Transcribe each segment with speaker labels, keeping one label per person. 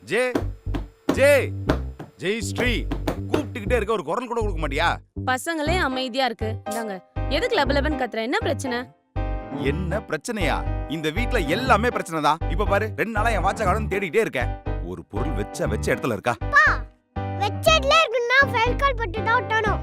Speaker 1: J ஜே ஜெய் ஸ்ரீ கூப்பிட்டுக்கிட்டே இருக்க, ஒரு குரல் கூட கொடுக்க மாட்டியா?
Speaker 2: பசங்களே அமைதியா இருக்கு. இந்தாங்க. எதுக்கு லபலபன் கத்துற? என்ன பிரச்சனை?
Speaker 1: என்ன பிரச்சனையா? இந்த வீட்ல எல்லாமே பிரச்சனை தான். இப்ப பாரு, 2 நாளா என் வாட்ச காணோம்னு தேடிட்டே இருக்கேன். ஒரு பொருள் வச்ச இடத்துல இருக்கா?
Speaker 3: வெச்ச இடத்துல இருக்குன்னா ஃபெல் கால் பட்டு தான் ஒட்டணும்.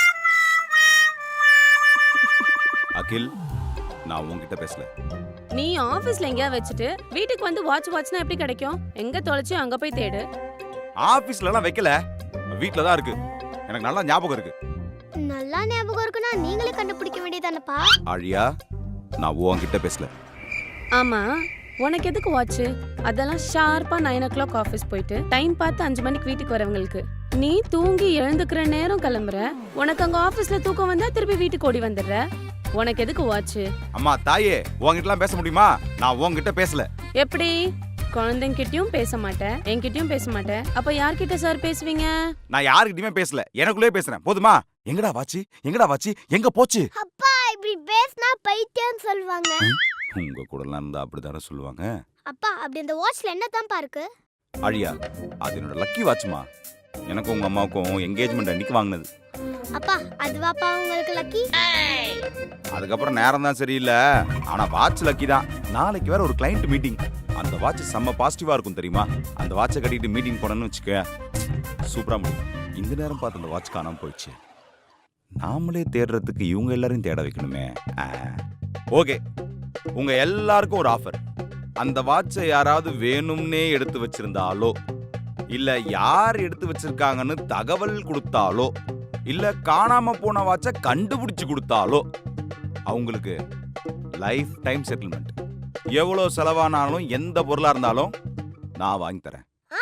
Speaker 1: அகில், நான் உன்கிட்ட பேசல.
Speaker 2: நீ ஆபீஸ்ல எங்கயா வச்சுட்டு வீட்டுக்கு வந்து வாட்ச்னா எப்படி கிடைக்கும்? எங்க தொலைச்சு அங்க போய் தேடு.
Speaker 1: ஆபீஸ்ல எல்லாம் வைக்கல, வீட்ல தான் இருக்கு. எனக்கு நல்லா ஞாபகம் இருக்கு.
Speaker 3: நல்லா ஞாபகம் இருக்குன்னா நீங்களே கண்டுபிடிக்க வேண்டியதானப்பா.
Speaker 1: ஆழியா, நான் உன்கிட்ட பேசல.
Speaker 2: ஆமா, உனக்கு எதுக்கு வாட்ச்? அதெல்லாம் ஷார்ப்பா 9 o'clock ஆபீஸ் போயிட்டு டைம் பார்த்து 5 மணிக்கு வீட்டுக்கு வரவங்களுக்கு. நீ தூங்கி எழுந்துக்கிற நேரம் கிளம்புற. உனக்கு அங்க ஆபீஸ்ல தூக்கம் வந்தா திருப்பி வீட்டுக்கு ஓடி வந்துடுற. உனக்கு எதுக்கு வாட்ச்?
Speaker 1: அம்மா தாயே, உன்கிட்டலாம் பேச முடியுமா? நான் உன்கிட்ட பேசல.
Speaker 2: எப்படி? குழந்தைங்கிட்டயும் பேச மாட்டேன், என்கிட்டயும் பேச மாட்டேன். அப்ப யார்கிட்ட சார் பேசுவீங்க?
Speaker 1: நான் யாருக்கிட்டயுமே பேசல, எனக்குள்ளே பேசுறேன். போதுமா? எங்கடா வாட்சி? எங்கடா வாட்சி? எங்க போச்சு?
Speaker 3: அப்பா இப்படி பேசினா பைத்தியம் சொல்வாங்க.
Speaker 1: உங்க கூடலாம் இருந்தா அப்படிதானே சொல்லுவாங்க.
Speaker 3: அப்பா அப்படி அந்த வாட்ச்ல என்ன தான்ப்பா இருக்கு?
Speaker 1: அழியா, அது என்னோட லக்கி வாட்ச்மா. எனக்கும் உங்க அம்மாவுக்கும் என்கேஜ்மெண்ட் அன்னைக்கு வாங்கினது.
Speaker 3: அப்பா அதுவாப்பா உங்களுக்கு லக்கி?
Speaker 1: அதுக்கப்புறம் நேரம் தான் சரியில்லை, ஆனா வாட்ச் லக்கி தான். நாளைக்கு வேற ஒரு கிளைண்ட் மீட்டிங். அந்த வாட்ச் செம்ம பாசிட்டிவா இருக்கும் தெரியுமா? அந்த வாட்சை கட்டிட்டு மீட்டிங் போனோன்னு வச்சுக்க, சூப்பரா முடியும். இந்த நேரம் பார்த்து அந்த வாட்ச் காணாம போயிடுச்சு. நாமளே தேடுறதுக்கு இவங்க எல்லாரையும் தேட வைக்கணுமே. ஓகே, உங்க எல்லாருக்கும் ஒரு ஆஃபர். அந்த வாட்சை யாராவது வேணும்னே எடுத்து வச்சிருந்தாலோ, இல்ல யார் எடுத்து வச்சிருக்காங்கன்னு தகவல் கொடுத்தாலோ, இல்ல காணாம போன வாட்சை கண்டுபிடிச்சு கொடுத்தாலோ அவங்களுக்கு லைஃப் டைம் செட்டில்மெண்ட். எவ்வளவு செலவானாலும் எந்த பொருளா இருந்தாலும் நான் வாங்கி தரேன்.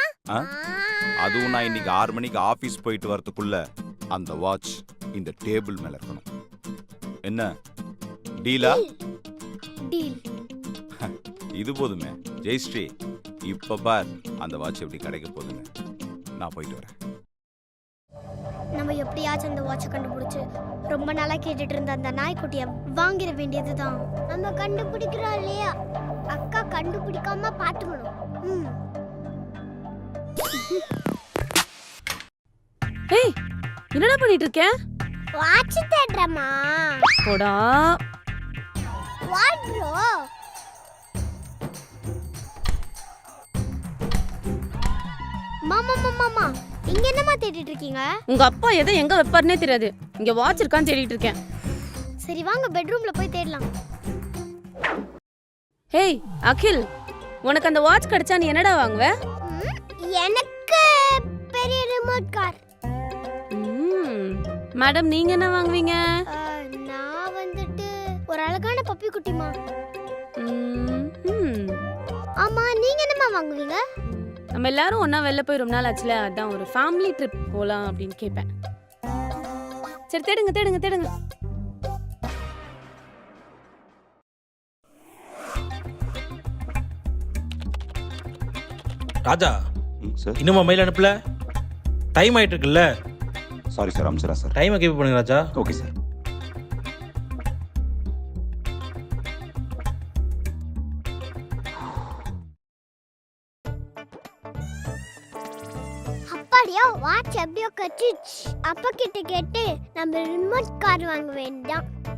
Speaker 1: அதுவும் நான் இன்னைக்கு 6 மணிக்கு ஆபீஸ் போயிட்டு வரதுக்குள்ள அந்த வாட்ச் இந்த டேபிள் மேல இருக்கணும். என்ன டீலா?
Speaker 3: டீல்.
Speaker 1: இது போதுமே ஜெயஸ்ரீ. இப்ப பார் அந்த வாட்ச் எப்படி கிடைக்க போகுதுங்க. நான் போயிட்டு வரேன்.
Speaker 3: நம்ம எப்படியாச்சும் அந்த வாட்சை கண்டுபிடிச்சு ரொம்ப நாளா கேட்டுட்டு இருந்த அந்த நாய்க்குட்டிய வாங்கிட வேண்டியதுதான். நம்ம கண்டுபிடிக்கிறோம் இல்லையா? அக்கா கண்டுபிடிக்காம பாத்துக்கணும்.
Speaker 2: ஏய், என்னடா பண்ணிட்டு இருக்க?
Speaker 3: வாட்ச் தேடுறமா?
Speaker 2: போடா.
Speaker 3: What bro? மாமா மாமா இங்க என்னமா தேடிட்டு இருக்கீங்க?
Speaker 2: உங்க அப்பா எதை எங்க வைப்பாருனே தெரியாது. இங்க வாட்ச் இருக்கான்னு தேடிட்டு இருக்கேன்.
Speaker 3: சரி வாங்க பெட்ரூம்ல போய் தேடலாம்.
Speaker 2: ஹேய் அகில், உனக்கு அந்த வாட்ச் கிடைச்சா நீ என்னடா வாங்குவ?
Speaker 3: எனக்கு பெரிய ரிமோட் கார்.
Speaker 2: மேடம், நீங்க என்ன வாங்குவீங்க?
Speaker 3: நான் வந்துட்டு ஒரு அழகான பப்பி குட்டிமா. ஆமா, நீங்க என்னமா வாங்குவீங்க?
Speaker 2: நம்ம எல்லாரும் ஒண்ணா வெளில போய் ரொம்ப நாள் ஆச்சுல, அதான் ஒரு ஃபேமிலி ட்ரிப் போலாம் அப்படின்னு கேட்பேன். சரி தேடுங்க தேடுங்க தேடுங்க.
Speaker 4: ராஜா,
Speaker 1: சார்
Speaker 4: இன்னுமா மெயில் அனுப்பல? டைம் ஆயிட்டு இருக்குல்ல?
Speaker 1: சாரி சார், அம்சரா சார்.
Speaker 4: டைமை கீப் பண்ணுங்க ராஜா.
Speaker 1: Okay sir.
Speaker 3: அப்படியா வாட்ச் எப்படியோ கட்டிச்சு. அப்பா கிட்ட கேட்டு நம்ம ரிமோட் கார் வாங்க வேண்டாம்.